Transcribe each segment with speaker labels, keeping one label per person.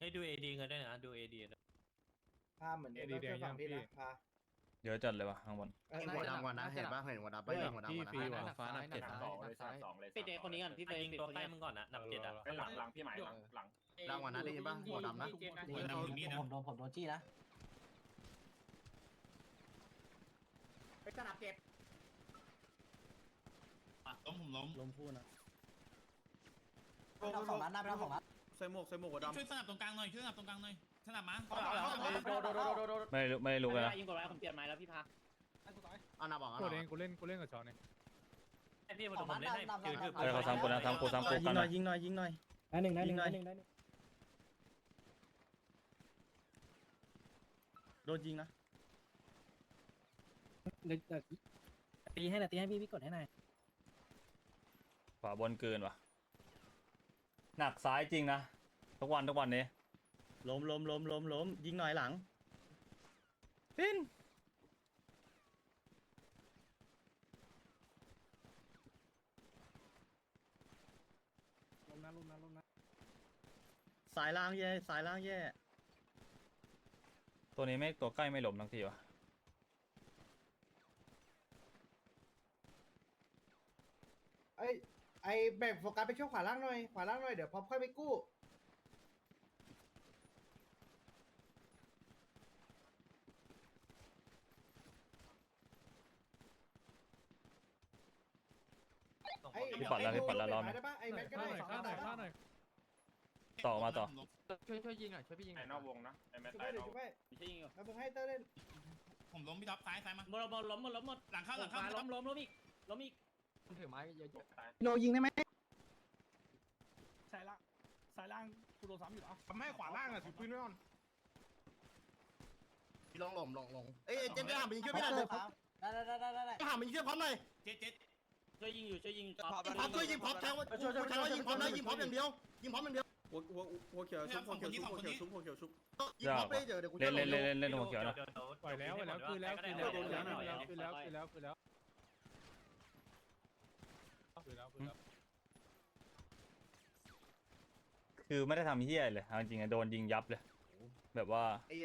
Speaker 1: ให้ดูเอดีกันด้วยนะดูเอดี
Speaker 2: พาเหมือนเดิมแล้วช่วยฝั่งพี่นะพา
Speaker 3: เยอะจัดเลยวะข้างบน
Speaker 4: เห็นหัวดำก่อนนะเห็นปะเห็นหัวดำไปเห็นหัวดำก่อนนะ
Speaker 5: หนักฟ้าหนักเจ็ด
Speaker 6: สองเลยสองเลย
Speaker 1: ปิดเอคนนี้ก่อนพี่ไปยิงตัวใกล้มึงก่อนนะนับเจ็ดอ่ะ
Speaker 6: หลังพี่หมายหลัง
Speaker 4: ดำก่อนนะได้ยินปะหัวดำนะ
Speaker 2: ผมโดนจี้นะไปสนับเก็บ
Speaker 5: ล้มพูนะ
Speaker 2: เราสองนัดนะเราสองนัด
Speaker 7: ใส่หมวกหัวดำ
Speaker 5: ช่วยสนับตรงกลางหน่อยช่วยสนับตรงกลางหน่อยสนับมา
Speaker 2: โดน
Speaker 3: ไม่รู้กันนะ
Speaker 1: ยิงกดไว้ผมเปลี่ยนไม้แล้วพี่พา
Speaker 4: เอาหน้าบอก
Speaker 5: กูเล่นกูเล่นกับชอนเอง
Speaker 1: ไอพี่ผมเล่นให้คือ
Speaker 3: เฮ้ยเขาซ้ำกูนะซ้ำกูกันนะ
Speaker 7: ยิงหน่อย
Speaker 2: ได้หนึ่ง
Speaker 7: โดนยิงนะ
Speaker 2: ตีให้พี่กดให้หน่อย
Speaker 3: ขวาบนเกินว่ะหนักซ้ายจริงนะทุกวันนี้
Speaker 7: ล้มยิงหน่อยหลัง
Speaker 3: ฟิน
Speaker 2: ลมนะ
Speaker 7: สายล่างแย่
Speaker 3: ตัวนี้ไม่ตัวใกล้ไม่หลบทั้งทีวะ
Speaker 2: ไอ้แบ่งโฟกัสไปช่วงขวาล่างหน่อยเดี๋ยวพอค่อยไปกู้
Speaker 3: พี่ปัดแล้วรอบนี้
Speaker 2: ได้ปะไอ้แม็กก็ได้
Speaker 5: ข้าหน่อย
Speaker 3: ต่อมาต่อ
Speaker 5: ช่วยยิงหน่อยช่วยพี่ยิงห
Speaker 6: ไอ้
Speaker 5: น่อย
Speaker 6: นอกวงนะไอ้แมท
Speaker 2: ช่
Speaker 6: ไอ้
Speaker 2: วย
Speaker 6: นอก
Speaker 2: ช่วย
Speaker 1: ไม่ใช่ยิงหรอ
Speaker 2: แล้วมึงให้เต้เล่น
Speaker 5: ผมล้มพี่ท็อปซ้ายมา
Speaker 1: ล้มหมด
Speaker 5: หลังเข้า
Speaker 1: ล้มอีก
Speaker 5: ถือไม้เยอะ
Speaker 2: โนยิงได้ไหม
Speaker 8: สายล่างกูโดนซ้ำอยู่อ่ะ
Speaker 7: ทำให้ขวาล่างอ่ะถือปืนไว้ก่อน
Speaker 4: พี่ลงเอ้ยเจมส์หามันยิงช่วยพี่หน่อย
Speaker 2: ได้
Speaker 4: หามันยิงช่วยพร้อมหน่อย
Speaker 5: เจ็ด
Speaker 1: ช่วยยิงอยู่
Speaker 4: พร้อมช่วยยิงพร้อมแทงว่ายิงพร้อมนะยิงพร้อมอย่างเดียว
Speaker 7: หัวเขียวชุบหัวเขียวชุบ
Speaker 4: ยิงพร้อมไปเดี๋ยวกู
Speaker 3: เล่นหัวเขียวนะ
Speaker 5: ปล่อยแล้วคือแล้ว
Speaker 3: คือไม่ได้ทำเฮี้ยเลยจริงๆโดนยิงยับเลยแบบว่า
Speaker 4: ไอ้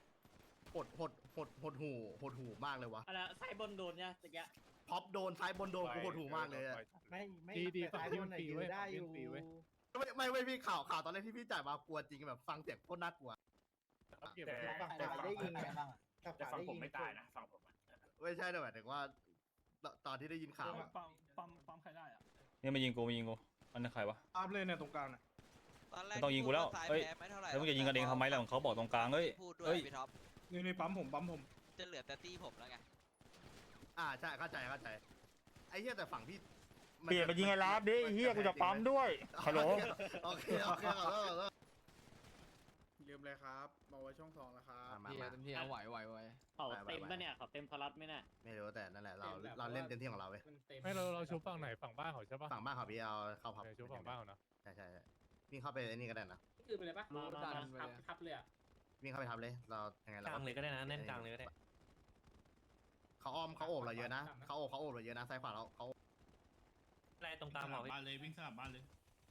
Speaker 4: หดหูมากเลยวะ
Speaker 1: อะไรสายบนโดนเนี่ยตะกี้
Speaker 4: พ็อปโดนซ้ายบนโดนกูหดหูมากเลย
Speaker 2: ไม่ตายคนไหนยืนได้อยู่
Speaker 4: ไม่พี่ข่าวตอนแรกที่พี่จ่ายมากลัวจริงแบบฟังเสียงโคตรน่ากลัว
Speaker 2: ฝั่งขวาได้ยิงไงบ้าง
Speaker 6: แต่ฝั่งผมไม่ตายนะฝั่งผม
Speaker 4: ไม่ใช่แต่หมายถึงว่าตอนที่ได้ยินข่าว
Speaker 8: ปั๊มใครได้อ่ะ
Speaker 3: นี่มายิงกูอันนั้นใครวะ
Speaker 7: ตามเลยเนี่ยตรงกลางน่ะ
Speaker 3: ไม่ต้องยิงกูแล้วเอ้ยแล้วมึงจะยิงกันเองทำไมล่ะของเขาบอกตรงกลางเฮ้ย
Speaker 9: พูดด้วย
Speaker 3: เฮ้ย
Speaker 9: พี่ท็อป
Speaker 7: นี่ปั๊มผม
Speaker 9: จะเหลือแต่ตี้ผมแล้วไง
Speaker 4: ใช่เข้าใจไอ้เหี้ยแต่ฝั่งพี่
Speaker 3: เปลี่ยนไปยิงไอ้ลาบดิเฮี้ยกูจะปั๊มด้วยฮัลโหล
Speaker 4: โอเคขอโทษ
Speaker 7: ลืมเลยครับมาไว้ช่อง2แล้วครับ
Speaker 4: มา
Speaker 5: เต็มที่เอาไหว
Speaker 1: เขาเต็มปะเนี่ยเขาเต็มพลัดไหมเนี่ย
Speaker 4: ไม่รู้แต่นั่นแหละเราเล่นเต็มที่ของเราเว้ย
Speaker 5: ไม่เราชุบฝั่งไหนฝั่งบ้านเขาใช่ปะ
Speaker 4: ฝั่งบ้านเขาพี่เอาเข้าพับ
Speaker 5: ชุบฝั่งบ้านเขานะ
Speaker 4: ใช่วิ่งเข้าไปไอ้นี่ก็ได้นะ
Speaker 8: คือไปเลยปะทับเลยอ่ะ
Speaker 4: วิ่งเข้าไปทับเลยเรายังไง
Speaker 1: กลางเลยก็ได้นะเล่นกลางเลยก็ได้
Speaker 4: เขาอ้อมเขาโอบเราเยอะนะเขาโอบเราเยอะนะซ้ายขวาเราเขา
Speaker 1: อะไรตรงกลางบอก
Speaker 5: บ้านเลยวิ่งสลับบ้านเลย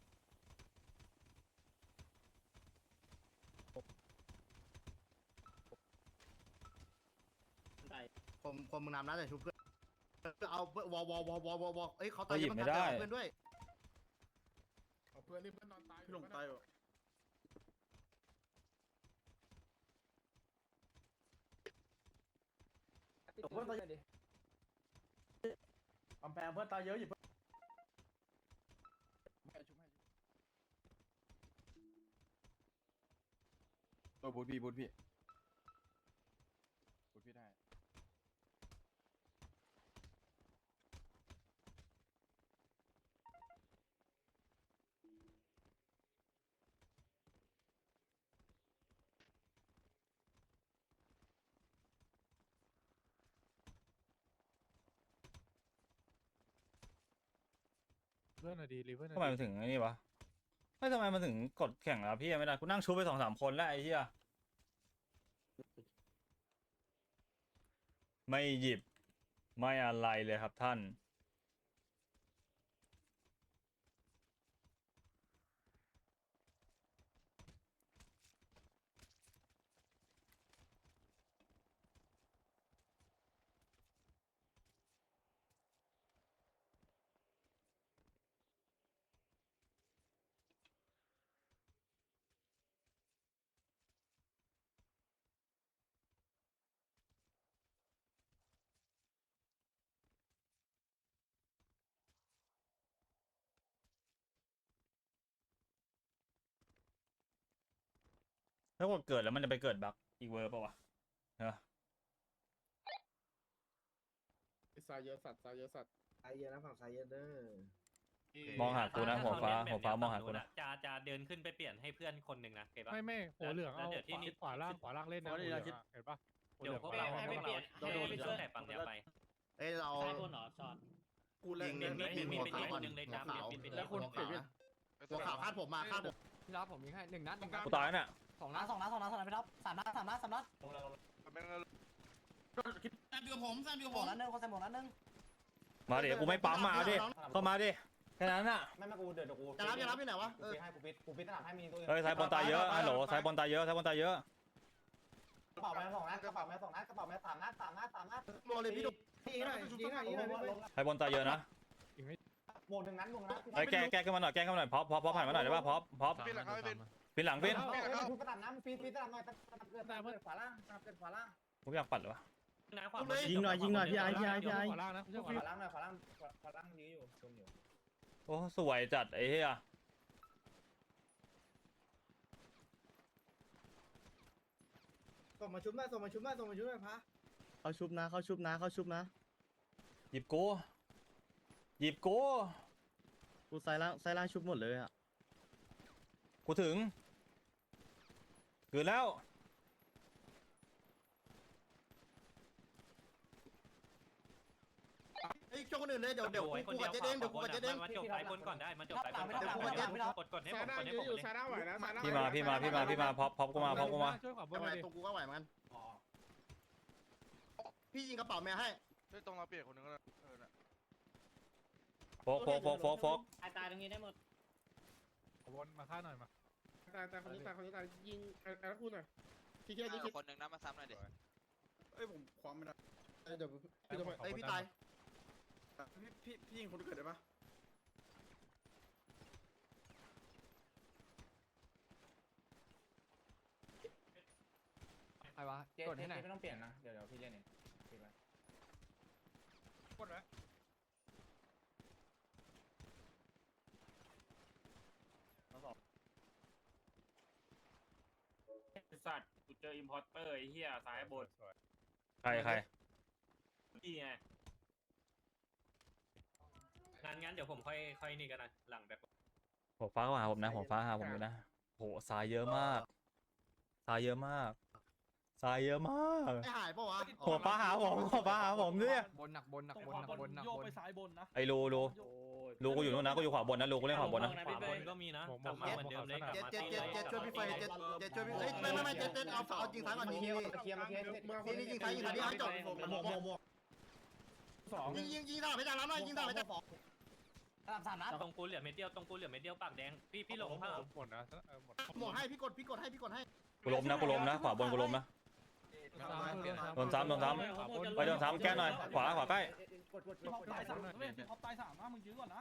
Speaker 4: คนมึงนำนะแต่ชุบเพื่อนเอาวอเอ้ยเขาตาย
Speaker 3: หยิบไม่ได้
Speaker 4: เพื่อนด้วย
Speaker 7: เพื่อนนี่เพื่อนนอนตายพี่หลงตายอยู่เพื่อนตายดิกำแพงเพื่อนตายเยอะอยู่ตัวบูทพี่ได้
Speaker 5: เพื่อนอะดีรีเพื่อน
Speaker 3: ทำไมมันถึงไอ้นี่วะไม่ทำไมมันถึงกดแข่งแล้วพี่ไม่ได้กูนั่งชูไป2-3 คนแล้วไอ้เหี้ยไม่หยิบไม่อะไรเลยครับท่านถ้ากดเกิดแล้วมันจะไปเกิดบักอีกเวอร์ป่าวะเออ
Speaker 7: สายเยอะสัตว์สายเยอะสัตว์
Speaker 2: สายเยอะนะฝั่งสายเยอะเด้อ
Speaker 3: มองหากูนะหัวฟ้าหัวฟ้ามองหากูนะ
Speaker 1: จะเดินขึ้นไปเปลี่ยนให้เพื่อนคนหนึ่งนะเก็บปะ
Speaker 5: ไม่หัวเหลืองเอา
Speaker 1: แล้วเดี๋ยวที่นี่
Speaker 5: ขวาล่างเล่นนะหัวเหลืองอะเห็นปะหัวเห
Speaker 1: เดี๋
Speaker 5: ลื
Speaker 1: ย
Speaker 5: อ
Speaker 1: ว
Speaker 5: ง
Speaker 1: พวกเรา
Speaker 5: ให้
Speaker 1: ให้ไปเปลี่ยน
Speaker 4: เราโดน
Speaker 1: ให้ช่วยแต่ฝั่งเนี้ยไป
Speaker 4: เอ้ยเรา
Speaker 1: ซ้ายบนเหรอช็อต
Speaker 7: กูเล่น
Speaker 1: มี
Speaker 7: เล่น
Speaker 1: มี
Speaker 7: เล่น
Speaker 1: มี
Speaker 7: หัว
Speaker 1: เป็น
Speaker 7: ขาว
Speaker 1: อีกคนหนึ่งเลยจ้า
Speaker 4: หัวขาว
Speaker 1: เป็น
Speaker 7: แล้วคน
Speaker 4: หัว
Speaker 7: เปลี่
Speaker 4: ขาวย
Speaker 7: น
Speaker 4: นะหัวขาวคาดผมมาคาดผม
Speaker 8: พี่รับผมมีให้1 นัด1 นัด
Speaker 3: กูตายแล้วเนี่ย
Speaker 8: 2 นัดพี่รับ3 นัด3 นัด3 นัด
Speaker 7: เดียวผมเดียวผม
Speaker 8: นัดนึงคนใส่หมวกนัดนึง
Speaker 3: มาดิกูไม่ปั๊มมาดิเข้ามาดิแค่นั้นน่ะ
Speaker 8: ไม่กูเดี๋ยวกู
Speaker 4: จะรับที่ไหนวะ
Speaker 8: กูปิดตลาดให้มีตัว
Speaker 3: เฮ้ยซ้ายบอลตายเยอะฮัลโหลซ้ายบอลตายเยอะซ้ายบอลตายเยอะ
Speaker 8: กระเป๋าแม่2 นัดกระเป๋าแม่2 นัดกระเป๋าแม่3 นัด3 นัด3 นัด
Speaker 4: โมเลยพี่ดุ
Speaker 2: ยิงหน่อยยิงหน่อยยิงหน่อยพี่เฟย
Speaker 3: ซ้ายบอลตายเยอะนะ
Speaker 8: หมวก1 นัดหมวกนัด
Speaker 3: เฮ้ยแก้ขึ้นมาหน่อยแก้ขึ้นมาหน่อยพอผ่านมาหน่อยได้ป่ะพอ
Speaker 7: เป็นหลังเขาเป็น
Speaker 3: ปินหลังปิน
Speaker 8: กูกระตัดน้ำปีตลาดหน่อยเกิดขวาล่างเกิดขวาล่าง
Speaker 3: กูอยากปัดเลยวะ
Speaker 1: นะขวา
Speaker 2: ยิงหน่อยพี่ไอ้พี่ไอ้พี่ไอ้
Speaker 5: ขวาล่างนะไม่ใช่ขวา
Speaker 8: ขวา
Speaker 5: ล่าง
Speaker 8: ล่างหน่อยขวาล่างนี้อยู่ชมอยู่
Speaker 3: โอ้สวยจัดไอ้เหี้ย
Speaker 2: ส่งมาชุบหน่อยส่งมาชุบหน่อยส่งมาชุบหน่อยพะ
Speaker 4: เขาชุบนะ
Speaker 3: หยิบกู
Speaker 4: กูสายล่างชุบหมดเลยอ่ะ
Speaker 3: กูถึงคืนแล้ว
Speaker 4: เฮ้ยช่วงคนอื่นเลยเดี๋ยว
Speaker 1: ไว้
Speaker 4: กู
Speaker 1: คนเดียว
Speaker 4: กับเจ๊เด้งเดี๋ยวกูกับเจ๊เด้ง
Speaker 1: มาจบสายบนก่อนได้มาจบสายบนก่อนกดให้
Speaker 7: สาย
Speaker 1: ผม
Speaker 7: ด้าก
Speaker 1: ดให้
Speaker 7: ยื
Speaker 1: ผ
Speaker 7: น
Speaker 1: ม
Speaker 7: อยู่
Speaker 1: เลย
Speaker 7: สายด้าไหวนะสายด้า
Speaker 3: พี่มาพอกูมา
Speaker 5: ช่วยขวาบน
Speaker 4: ทำ
Speaker 5: ห
Speaker 4: ไม
Speaker 5: น่อยดิ
Speaker 4: ตรงกูก็ไหวเหมือนกันพี่ยิงกระเป๋าแม่ให้
Speaker 7: ตรงเราเปลี่ยนคนนึงแล้ว
Speaker 3: โฟก
Speaker 1: ตายตรงนี้ได้หมด
Speaker 5: ขวาบนมาฆ่าหน่อยมา
Speaker 7: ตายคนนี้ตายยิงแล้วพูดหน่อยพี่แค่นี้คิด
Speaker 9: คนหนึ่งนะมาซ้ำหน่อยดิ
Speaker 7: เอ้ยผมความไม่ได้เดี๋ยวพี่ทำไม
Speaker 4: เอ้ยพี่ตาย
Speaker 7: พี่ยิงคนที่เกิดได้ปะ
Speaker 8: ใครวะกดให้หน่อยไม่ต้องเปลี่ยนนะเดี๋ยวพี่เล่นเอง
Speaker 5: กดไว้
Speaker 6: สัตว์กูเจออิมพอร์เตอร์ไอ้เหี้ยซ้ายบน
Speaker 3: ใคร
Speaker 6: นี่ไง
Speaker 1: งั้นเดี๋ยวผมค่อยนี่กันนะหลังแบบ
Speaker 3: หัวฟ้าเข้าหาผมนะหัวฟ้าหาผมอยู่นะโหทรายเยอะมากทรายเยอะมาก
Speaker 4: ไม่หายปะวะ
Speaker 3: หัวฟ้าหาผมเนี่ย
Speaker 8: บนหนักบน
Speaker 10: โยกไปซ้ายบนนะ
Speaker 3: ไอ้รูกูอยู่นู่นนะกูอยู่ขวาบนนะรูกูเล่นขวาบนนะ
Speaker 1: ขวาบนก็มีนะกลับมาเหมือนเดิมเลยกลับมา
Speaker 4: เจ็ดช่วยพี่เฟยเจ็ดช่วยพี่ไม่เจ็ดเอาจริงท้ายก่อนยิง
Speaker 8: เคลียร์
Speaker 4: ยิงท้ายที่ให้จบหมวก
Speaker 8: 2
Speaker 4: ยิงด่าไม่ด่าแล้วหน่อยยิงด่าไม่ด่า
Speaker 8: 3 นัด
Speaker 1: ตรงกูเหลือเม็ดเดียวปากแดงพี่หลงผ้า
Speaker 5: หมดนะหมด
Speaker 4: หมวกให้พี่กดให้
Speaker 3: กูล้มนะขวาบนกูล้มนะโดนซ้ำไปโดนซ้ำแก้หน่อยขวาใกล้
Speaker 10: พี่ท็อปตาย3เว้ยพี่ท็อปตาย3นะมึงยื้อก่อนนะ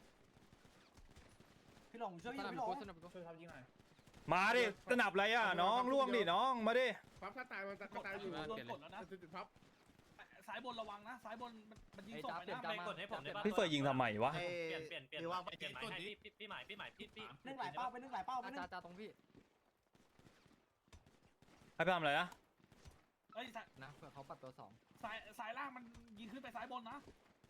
Speaker 8: พี่หลงช่วยพี่หลงช่วยเขายิงหน่อย
Speaker 3: มาดิสนับอะไรอ่ะน้องล่วงดิน้องมาดิ
Speaker 7: พับถ้าตายมันตายอยู่
Speaker 10: โดนกดแล้วนะ
Speaker 7: ติดพับ
Speaker 10: ซ้ายบนระวังนะซ้ายบนมันยิงส่งไปนะ
Speaker 1: ไปกดให้ผมได้ป่ะ
Speaker 3: พี่เฟยยิงทำไมวะ
Speaker 1: เปลี่ยนหมายให้พี่หมายพี่
Speaker 8: นึ่งหลายเป้าไปนึ่งหลายเป้าไปนึ่งตรงพี่
Speaker 3: ให้พี่ทำอะไรนะ
Speaker 10: เอ้ย
Speaker 8: นะเผื่อเขาปัดตัว2
Speaker 10: สายล่างมันยิงขึ้นไปซ้ายบนนะ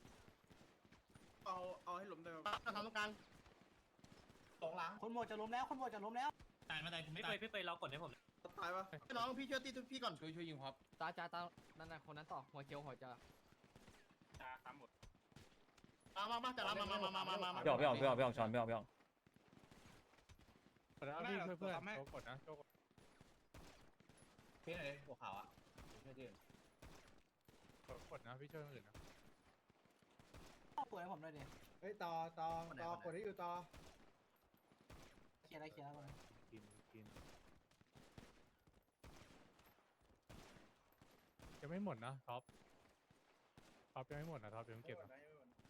Speaker 7: เอาให้หลุมได้
Speaker 4: ทำตรงกลาง
Speaker 8: 2 หลังคนหมดจะล้มแล้ว
Speaker 1: พี่เฟยเรากดให้ผม
Speaker 7: ตายปะ
Speaker 4: น้องพี่ช่วยตีพี่ก่อน
Speaker 8: ช่วยยิงครับตานั่นน่ะคนนั้นต่อหัวเจียวหัวจะ
Speaker 6: จ้าซ้ำหมด
Speaker 4: มาจะรับมา
Speaker 3: พี่ออกช้อนพี่ออก
Speaker 5: แล้วพี่ช่วยเพื่อนโชกดนะโชก
Speaker 8: พี่ไหนหัวขาวอ่ะช่วยยืน
Speaker 5: กดนะพี่ช่วยคนอื่นนะ
Speaker 8: ปวดให้ผมหน่อยดิ
Speaker 2: เฮ้ยต่อกดให้อยู่ต่อ
Speaker 8: เคลียร์ก่อน
Speaker 5: กินยังไม่หมดนะท็อปยังไม่หมดนะท็อปยังเก็บนะ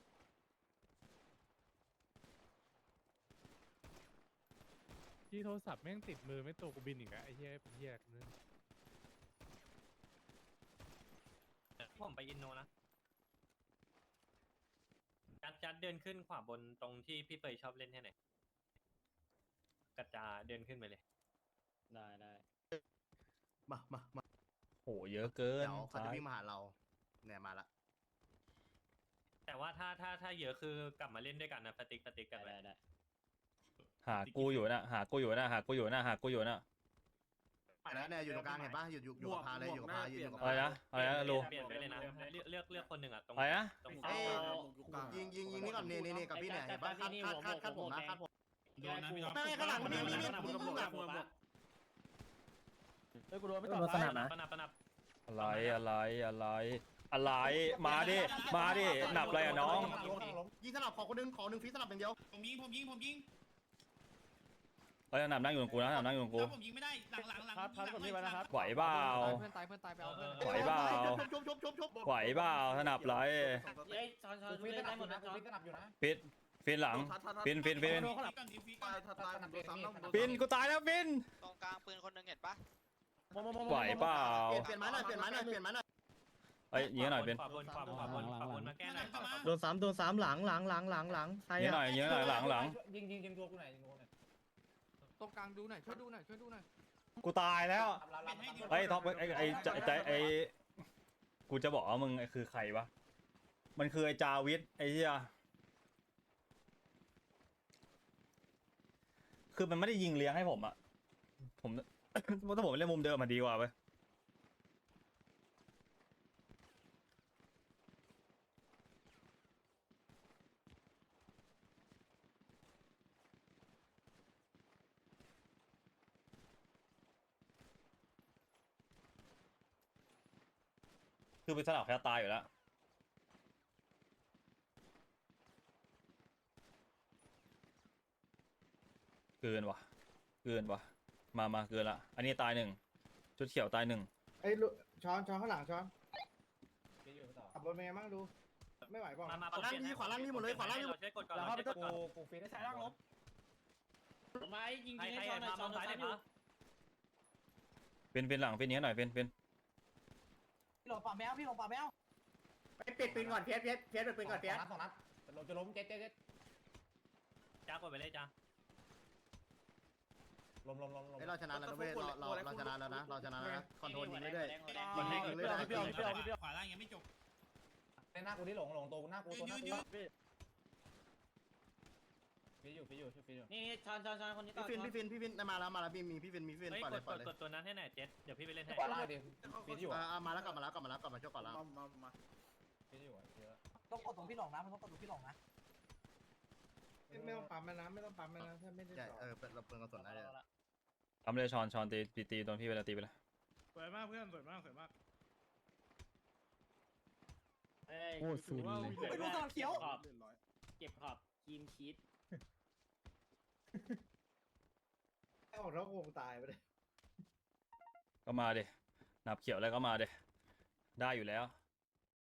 Speaker 5: ที่โทรศัพท์แม่งติดมือไม่ตัวกูบินอีกแล้วไอ้เหี้ยเป็นเหี้ยนึง
Speaker 1: ผมไปอินโนนะจัดเดินขึ้นขวาบนตรงที่พี่เฟยชอบเล่นให้ไหนกระจาเดินขึ้นไปเลยได้
Speaker 4: มา
Speaker 3: โหเยอะเกิน
Speaker 4: เดี๋ยวเขา
Speaker 3: ซ้า
Speaker 4: จะ
Speaker 3: ย
Speaker 4: วิ่งมาหาเราเนี่ยมาละ
Speaker 1: แต่ว่าถ้าเยอะคือกลับมาเล่นด้วยกันนะสติ๊กกันไป
Speaker 3: หากูอยู่นะหากูอยู่นะหากูอยู่นะหากูอยู่นะ
Speaker 4: แล้วเนี่ยอยู่ตรงกลางเห็นปะอยู่กับพาเลยอยู่กับพายืนอยู่กับ
Speaker 3: อะไร
Speaker 4: พา
Speaker 3: นะอะไรนะลู
Speaker 1: เปลี่ยนไปเลยนะเลือกคนหนึ่งอ่ะตรง
Speaker 3: อะไรนะ
Speaker 1: ตรง
Speaker 4: เอ้
Speaker 1: เสาย
Speaker 4: ยิงนี่ก่อนนี่กับพี่เนี่ยเห็นปะคาดผมนะคาดผม
Speaker 6: โดนนะพี่ท็อป
Speaker 4: ไม่ข้างหลังนี่
Speaker 10: กูโดนไม่
Speaker 5: โด
Speaker 10: ตอบ
Speaker 5: นสนับนะ
Speaker 1: ประนับ
Speaker 3: อะไรมาดิหนับอะไรอ่ะน้อง
Speaker 4: ยิงสลับขอหนึ่งฟีสลับอย่างเดียว
Speaker 6: ผมยิง
Speaker 3: เอ้ยหนับนั่งอยู่กับกูนะหนับนั่งอยู่กับกู
Speaker 6: ผมยิงไม่ได้หลัง
Speaker 10: พัดคนนี้ไว้นะครับ
Speaker 3: ไหวเปล่า
Speaker 10: เพื่อนตายไปเอาเพื่อน
Speaker 3: ไหวเปล่า
Speaker 4: ชบ
Speaker 3: ไหวเปล่าถนับไร
Speaker 10: เฮ้ยชอน
Speaker 8: กูฟิตสนับอยู่นะกูฟิตสนับอยู่นะ
Speaker 3: ฟินหลังฟิน
Speaker 6: ก่อนดีฟีก่อน
Speaker 3: ฟินกูตายแล้วฟิน
Speaker 9: ตรงกลางปืนคนหนึงเห็นปะ
Speaker 3: ไหวเปล่า
Speaker 4: เปลี่ยนไม้หน่อย
Speaker 3: เอ้ยยิงหน่อยฟิน
Speaker 1: ขวาบนมาแก้หน่อย
Speaker 4: โดนซ้ำหลังใคร
Speaker 3: ยิงหน่อยหลัง
Speaker 8: ยิงตัวกูไหนยิงตัวกูไหน
Speaker 10: ตรงกลางดูหน่อยช่วยดูหน่อย
Speaker 3: กูตายแล้วไอ้ท็อปไอ้กูจะบอกว่ามึงคือใครวะมันคือไอ้จาวิทไอ้เหี้ยคือมันไม่ได้ยิงเลี้ยงให้ผมอะผมถ้าผมเล่นมุมเดิมมันดีกว่าเว้ยคือไปสลับแค่ตายอยู่แล้วเกินว่ะมาเกินละอันนี้ตายหนึ่งชุดเขียวตายหนึ่ง
Speaker 2: ไอ้ช้อนข้างหลังช้อนขับบนเป็นไงบ้างดูไม่ไหวเปล่า
Speaker 1: มา
Speaker 4: ขวาล่างนี่หมดเลยขวาล่างนี่
Speaker 1: เราใช้กดก่อน
Speaker 8: แล้ว
Speaker 1: เรา
Speaker 8: เข้าไป
Speaker 1: ใช้ก
Speaker 8: ตัว
Speaker 1: ดก่อน
Speaker 8: กูฟิตได้
Speaker 10: ใช้
Speaker 8: ใช้
Speaker 10: ร่า
Speaker 8: ร่าง ง
Speaker 10: ล
Speaker 8: ล
Speaker 10: บบ ไม้ยิง
Speaker 1: ใคร
Speaker 10: ให้
Speaker 1: ใคร
Speaker 10: ชอนหน่อยชอน
Speaker 1: ซ้าย
Speaker 10: ซ้าย
Speaker 1: ไหน
Speaker 10: อยู่
Speaker 1: มา
Speaker 3: ฟินหลังฟินนี้หน่อยฟิน
Speaker 8: พี่หลงป่าแมวไปปิดปืนก่อนเพียสปิดปืนก่อนเพียสสองนัดจะล้มเจ๊
Speaker 1: จ้ากดไปเลยจ้า
Speaker 8: ล้ม
Speaker 4: เราชนะแล้วเว้ยเราชนะแล้วนะคอนโทรลยิงเรื่อย
Speaker 6: ขวาล่างยังไม่จบ
Speaker 8: หน้ากูที่หลงตัวหน้ากูตัวหน้ากูฟิตอยู่
Speaker 10: นี่ชอนคนนี้ต่อ
Speaker 4: พี่ฟินมาแล้วมีพี่ฟิน
Speaker 1: เฮ้ย
Speaker 4: ปล่อยเลย
Speaker 1: กดตัวนั้นให้หน่อยเจ็ดเดี๋ยวพี่ไปเล่นให้
Speaker 8: ขวาล่างดิฟิตอยู่
Speaker 4: มาแล้วกลับมาช่วยก่อนแล้ว
Speaker 8: ฟิตอยู่เยอะ
Speaker 10: ต้องกดตรงพี่หลงนะมันต้องกดตรงพี่หลงนะ
Speaker 2: ไม่ต้องปั๊มนะไม่ต้องปั๊มนะถ้าไม่ได้
Speaker 4: ใช่
Speaker 2: ต่อ
Speaker 4: เราเปิดกระสุนได้เลย
Speaker 3: ทำเลยชอนตีโดนพี่เวลาตีไปเลย
Speaker 6: สวยมากเพื่อนสวยมาก
Speaker 5: โอ้สูนเลย
Speaker 10: ไปดูตอนเขียว
Speaker 6: เก็บขอบทีมชีต
Speaker 2: ไอ้ออกท้องวงตายไปเลย
Speaker 3: ก็มาเดหนับเขียวแล้วก็มาเดได้อยู่แล้ว